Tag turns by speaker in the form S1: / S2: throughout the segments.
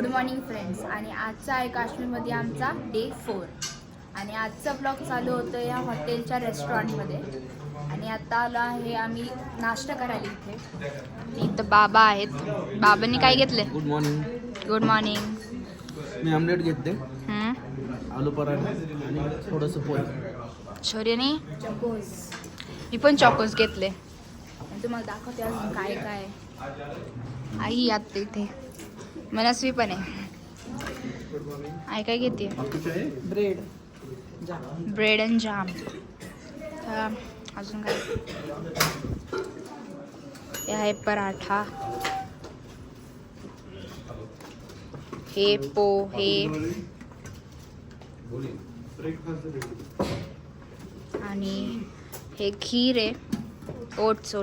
S1: Good morning friends. आणि आजचा आहे काश्मीरमध्ये आमचा डे 4 आणि आजचा ब्लॉग चालू होतं या हॉटेलच्या रेस्टॉरंटमध्ये. आणि आता आलो आहे आम्ही नाश्ता करायला इथे. इथं बाबा आहेत. बाबांनी काय घेतले?
S2: Good morning.
S1: Good morning.
S2: मी आमलेट घेतले, आलू पराठा आणि थोडंसं पोहे.
S1: शौर्यने चकोस. मी पण चकोस घेतले. आणि तुम्हाला दाखवते अजून काय काय. आई आता इथे मनस्वी पण आहे. आई काय घेते? Bread and jam. अजून काय? हे आहे पराठा, हे पोहे आणि हे खीर आहे, ओट्स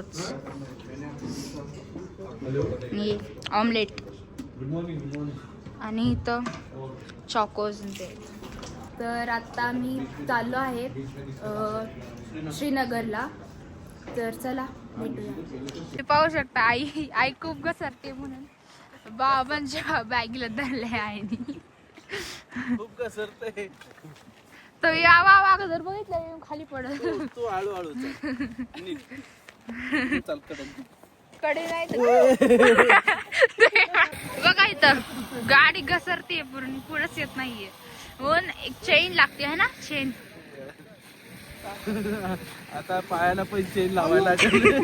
S1: आणि ऑमलेट आणि इथं चॉकोज ते. तर आता मी चाललो आहे श्रीनगरला. तर चला भेटूया. तुम्ही पाहू शकता आई खूप घसरते म्हणून बाबांच्या बॅगला धरले आहे.
S2: खूप घसरते.
S1: तर या जर बघितलं खाली पडत.
S2: तू हळूहळू चल.
S1: कडे नाही बघा इथं गाडी घसरते पूर्ण, पुढेच येत नाहीये. म्हणून एक चेन लागते है ना, चेन.
S2: आता पायाला पण चेन लावायला लागेल.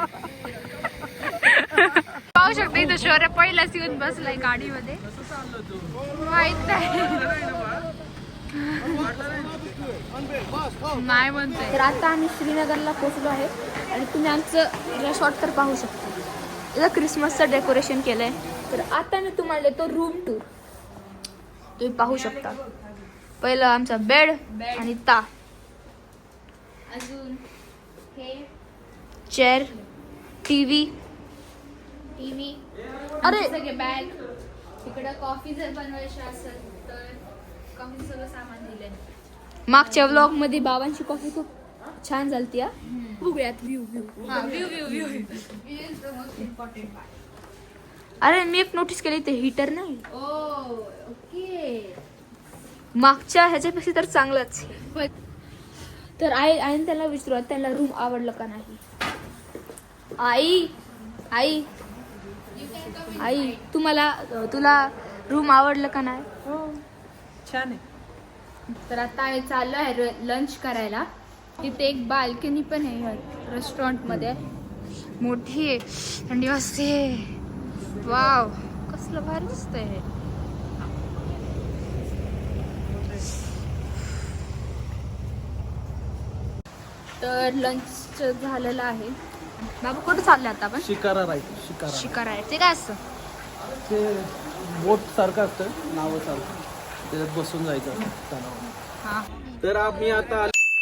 S1: पाहू शकता इथं शौर्य पहिलाच येऊन बसलाय गाडीमध्ये. माहित नाही म्हणतोय. तर आता आम्ही श्रीनगरला पोहोचलो आहे आणि तुम्ही आमचं रिसॉर्ट तर पाहू शकता. इथं क्रिसमसचं डेकोरेशन केलंय. तर आता मी तुम्हाला देतो रूम टूर. तुम्ही पाहू शकता. पहिलं आमचा बेड आणि अजून हे चेअर, टीव्ही अरे सगळे बॅग. इकडं कॉफी जर बनवायची असेल तर कॉफी सगळं सामान दिलंय. मागच्या व्लॉग मध्ये बाबांची कॉफी खूप छान झालती. बघूयात व्ह्यू. अरे मी एक नोटीस केली, ते हीटर नाही. ओके. मागच्या ह्याच्यापेक्षा तर चांगलंच. तर आईने त्याला विचारू त्यांना रूम आवडलं का नाही. आई तुला रूम आवडलं का नाही?
S3: छान आहे.
S1: तर आता चाललो आहे लंच करायला. तिथे एक बाल्कनी पण आहे रेस्टॉरंट मध्ये, मोठी आहे, थंडी वाजते. वाव, कसलं भारी दिसतंय हे. तर लंच झालेलं आहे. बाबा कुठं चालले आता आपण?
S2: शिकारा राईट.
S1: शिकार आहे ते काय असतं?
S2: ते बोट सारखं असतं, नावासारखं, त्याच्यात बसून जायचं तलावात.
S1: हा.
S2: तर आम्ही आता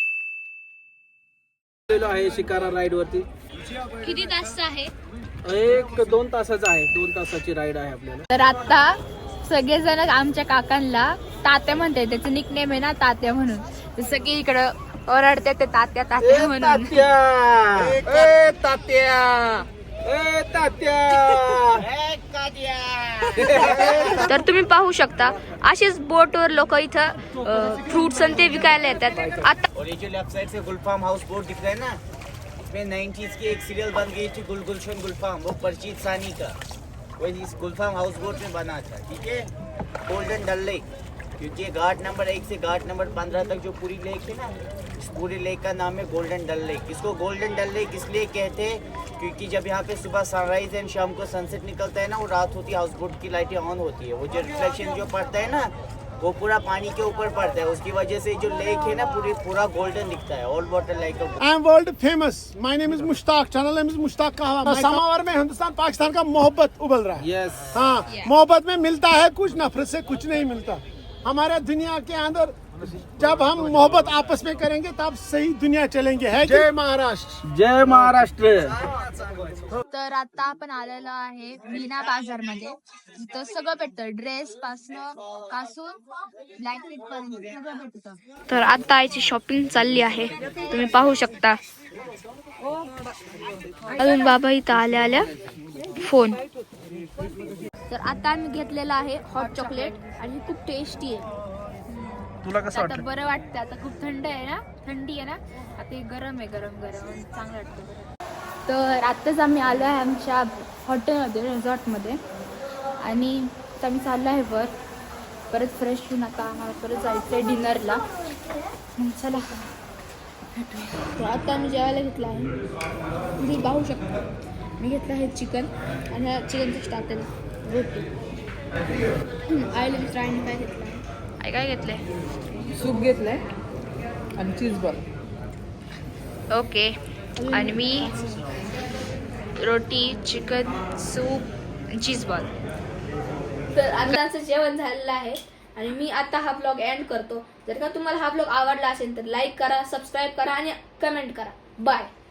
S2: आलेलो आहे शिकारा राईड वरती.
S1: किती तास आहे?
S2: 1-2 तासाचा आहे. 2 तासाची राईड आहे आपल्याला.
S1: तर आता सगळेजण आमच्या काकांना तात्या म्हणतात. त्याचं निकनेम आहे ना तात्या म्हणून. तर सगळे इकडं ओरडते ते तात्या म्हणून. तर तुम्ही पाहू शकता असेच बोटवर लोक इथं फ्रूट्स आणि ते विकायला येतात. आता
S4: और ये जो लेफ्ट साइड से गुलफाम हाउस बोट दिख रहा है ना, इसमें 90s की एक सीरियल बन गई थी गुलगुलशन गुलफाम, वो परचीत सानी का, वो इस गुलफाम हाउस बोट में बना था. ठीक है, गोल्डन डल लेक, क्योंकि घाट नंबर 1 से घाट नंबर 15 तक जो पूरी लेक है ना, इस पूरे लेक का नाम है गोल्डन डल लेक. इसको गोल्डन डल लेक इसलिए कहते हैं क्योंकि जब यहाँ पे सुबह सनराइज एंड शाम को सनसेट निकलता है ना, वो रात होती है, हाउस बोट की लाइटें ऑन होती है, वो जो रिफ्लेक्शन जो पड़ता है ना, वो पूरा पानी के ऊपर पड़ता है. उसकी वजह से जो लेक है ना पूरा गोल्डन दिखता है. All water like
S5: I am world famous. My name is Mushtaq. Channel name is Mushtaq Kahwa. समावर में हिंदुस्तान पाकिस्तान का मोहब्बत उबल रहा है.
S2: यस.
S5: हाँ, मोहब्बत में मिलता है कुछ, नफरत से कुछ नहीं मिलता. हमारे दुनिया के अंदर जब हम मोहब्बत आपस में करेंगे तब सही दुनिया चलेंगे. है जय महाराष्ट्र.
S2: जय महाराष्ट्र.
S1: तर आता आपण आलेलो आहे मीना बाजार मध्ये. इथं सगळं भेटतं, ड्रेस पासून ब्लँकेट पर्यंत सगळं भेटतं. तर आता आईची शॉपिंग चालली आहे, तुम्ही पाहू शकता. अजून बाबा इथं आल्या फोन. तर आता आम्ही घेतलेला आहे हॉट चॉकलेट आणि खूप टेस्टी आहे.
S2: तुला कसं
S1: आता
S2: वाटलं?
S1: बरं वाटतं. आता खूप थंड आहे ना, थंडी आहे ना, आता हे गरम आहे, गरम गरम आणि चांगलं वाटतं. तर आत्ताच आम्ही आलो आहे आमच्या हॉटेलमध्ये, रिसॉर्टमध्ये आणि आता आम्ही चाललो आहे परत फ्रेश होऊन आता आम्हाला परत जायचं आहे डिनरला. चला तर आता आम्ही जेवायला घेतलं आहे. तुम्ही पाहू शकता मी घेतलं आहे चिकन आणि ह्या चिकनचं स्टार्टर रोटी. आईला मिस्टरांनी काय घेतलं आहे? आई काय घेतलंय?
S3: सूप घेतलंय आणि चीज बॉल.
S1: ओके. आणि मी रोटी, चिकन, सूप, चीज बॉल. तर आताचं जेवण झालेलं आहे आणि मी आता हा ब्लॉग एंड करतो. जर का तुम्हाला हा ब्लॉग आवडला असेल तर लाईक करा, सबस्क्राईब करा आणि कमेंट करा. बाय.